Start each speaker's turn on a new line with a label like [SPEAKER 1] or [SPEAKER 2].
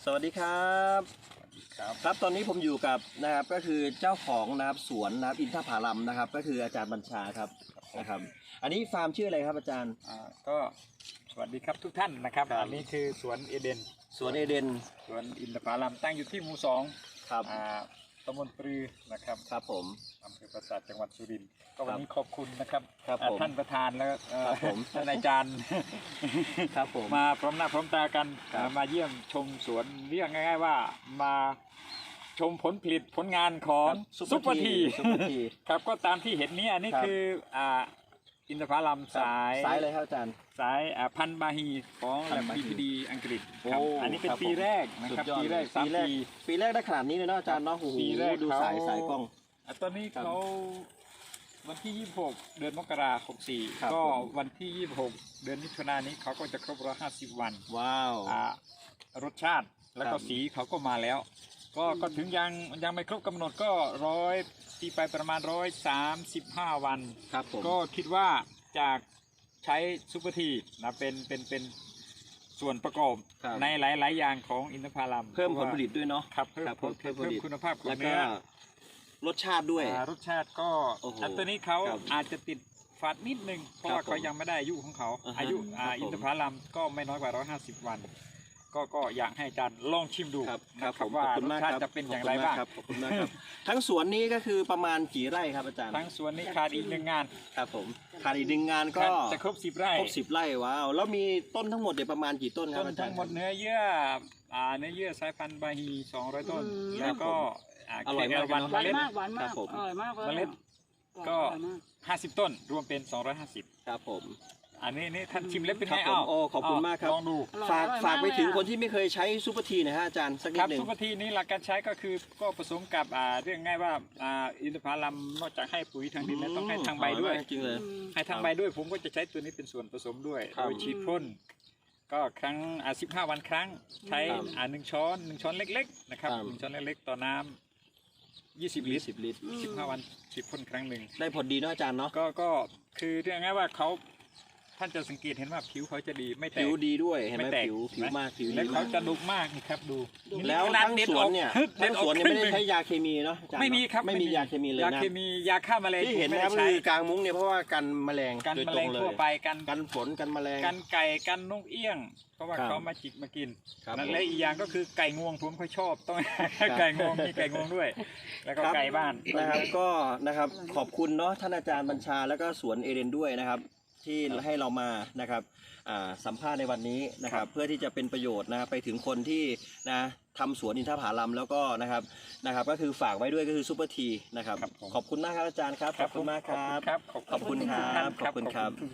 [SPEAKER 1] สวัสดีครับครับตอนนี้ผมอยู่กับนะครับก็คือเจ้าของนะครับสวนนะครับอินทผลัมนะครับก็คืออาจารย์บัญชาครับนะครับอันนี้ฟาร์มชื่ออะไรครับอาจารย์
[SPEAKER 2] ก็สวัสดีครับทุกท่านนะครับอันนี้คือสวนเอเดน
[SPEAKER 1] สวนเอเดน
[SPEAKER 2] สวนอินทผลัมตั้งอยู่ที่หมู่2
[SPEAKER 1] ครับ
[SPEAKER 2] ตำบลปรือนะครับ
[SPEAKER 1] ครับผม
[SPEAKER 2] อำเภอปราสาทจังหวัดสุรินทร์ก็วันนี้ขอบคุณนะครับท่านประธานแล้วท่านอาจารย์
[SPEAKER 1] ครับผม
[SPEAKER 2] มาพร้อมหน้าพร้อมตากันมาเยี่ยมชมสวนเรียกง่ายๆว่ามาชมผลผลิตผลงานของซุปเปอร์ทีครับก็ตามที่เห็นนี้อันนี้คืออินทผลัมสาย
[SPEAKER 1] อะไรครับอาจารย์
[SPEAKER 2] สายพันธุ์บาฮีของแลบ BPD อังกฤษครับอันนี้เป็นปีแรกนะครับปีแรก
[SPEAKER 1] ได้ขนาดนี้เลยเนาะอาจารย์เนาะปีแรกดูสายกล้อง
[SPEAKER 2] ตอนนี้เขาวันที่26เดือนมกราคม64ก็วันที่26เดือนมิถุนายนนี้เขาก็จะครบ150วัน
[SPEAKER 1] ว้าว
[SPEAKER 2] รสชาติแล้วก็สีเขาก็มาแล้วก็ถึงยังไม่ครบกำหนดก็ตีไปประมาณ135วันก็คิดว่าจากใช้ซุปเปอร์ทีนะเป็นส่วนประกอบในหลายๆอย่างของอินทผลัม
[SPEAKER 1] เพิ่มผลผลิตด้วยเนาะ
[SPEAKER 2] ครับเพิ่มคุณภาพของเนื้อ
[SPEAKER 1] รสชาติด้วย
[SPEAKER 2] รสชาติก็ตัวนี้เขาอาจจะติดฝาดนิดนึงเพราะว่าเขายังไม่ได้อายุของเขาอายุอินทผลัมก็ไม่น้อยกว่า150วันก็อยากให้อาจารย์ลองชิมดู
[SPEAKER 1] ครับ
[SPEAKER 2] ว่ารสชาติจะเป็นอย่างไรบ้าง
[SPEAKER 1] ขอบคุณมากครับทั้งสวนนี้ก็คือประมาณกี่ไร่ครับอาจารย์
[SPEAKER 2] ทั้งสวนนี้ขาดอีก1งาน
[SPEAKER 1] ครับผมขาดอีก1งานก็
[SPEAKER 2] จะครบ10ไร่
[SPEAKER 1] ว้าวแล้วมีต้นทั้งหมดเนี่ยประมาณกี่ต้นครับอาจารย์
[SPEAKER 2] ทั้งหมดเนื้อเยื่อสายพันธุ์บาฮี200ต้นแล้วก็
[SPEAKER 1] อร่อยมาก
[SPEAKER 3] หวานมากอร่อยมาก
[SPEAKER 2] เมล็ดก็50ต้นรวมเป็น250
[SPEAKER 1] ครับผม
[SPEAKER 2] อันนี้ท่านชิมเล็บเป็นไง
[SPEAKER 1] ขอบคุณมากครับ
[SPEAKER 2] ลองดู
[SPEAKER 1] ฝากไปถึงคนที่ไม่เคยใช้ซุปเปอร์ทีนะฮะอาจารย์สักนิดหนึ่ง
[SPEAKER 2] ซุปเปอร์ทีนี้หลักการใช้ก็คือก็ผสมกับเรื่องง่ายว่าอินทผลัมนอกจากให้ปุ๋ยทางดินแล้วต้องให้ทางใบด้วย
[SPEAKER 1] จริงเลย
[SPEAKER 2] ให้ทางใบด้วยผมก็จะใช้ตัวนี้เป็นส่วนผสมด้วยโดยฉีดพ่นก็ครั้ง15วันครั้งใช้1 ช้อนเล็กๆนะครับ1 ช้อนเล็กๆต่อน้ำ20 ลิตร15วันฉีดพ่นครั้งหนึ่ง
[SPEAKER 1] ได้ผลดีเนาะอาจารย์เนาะ
[SPEAKER 2] ก็คือเรื่องง่ายว่าเขาท่านจะสังเกตเห็นว่าผิวเขาจะดีไม่แตก
[SPEAKER 1] ผิวดีด้วยเห็นไหมผิวมากผิว
[SPEAKER 2] แล้วเขาจะดุมากนี่ครับดู
[SPEAKER 1] แล้วทั้งสวนเนี่ยไม่ได้ใช้ยาเคมีเนาะ
[SPEAKER 2] ไม่มีครับ
[SPEAKER 1] ไม่มียาเคมีเลยนะ
[SPEAKER 2] ยาเคมียาฆ่าแมลง
[SPEAKER 1] ที่เห็นนะครับคือกลางมุ้งเนี่ยเพราะว่ากันแมลง
[SPEAKER 2] กันแมลงทั่วไป
[SPEAKER 1] กันฝนกันแมลง
[SPEAKER 2] กันไก่กันนกเอี้ยงเพราะว่าเขามาจิกมากินและอีกอย่างก็คือไก่งวงผมเขาชอบต้องไก่งวงมีไก่งวงด้วยแล้วก็ไก่บ้าน
[SPEAKER 1] นะครับก็นะครับขอบคุณเนาะท่านอาจารย์บัญชาแล้วก็สวนเอเดนด้วยนะครับที่ให้เรามานะครับสัมภาษณ์ในวันนี้นะครับเพื่อที่จะเป็นประโยชน์นะไปถึงคนที่นะทำสวนอินทผลัมแล้วก็นะครับก็คือฝากไว้ด้วยก็คือซุปเปอร์ทีนะครับขอบคุณมากครับอาจารย์ครับขอบคุณมากครับขอบคุณครับ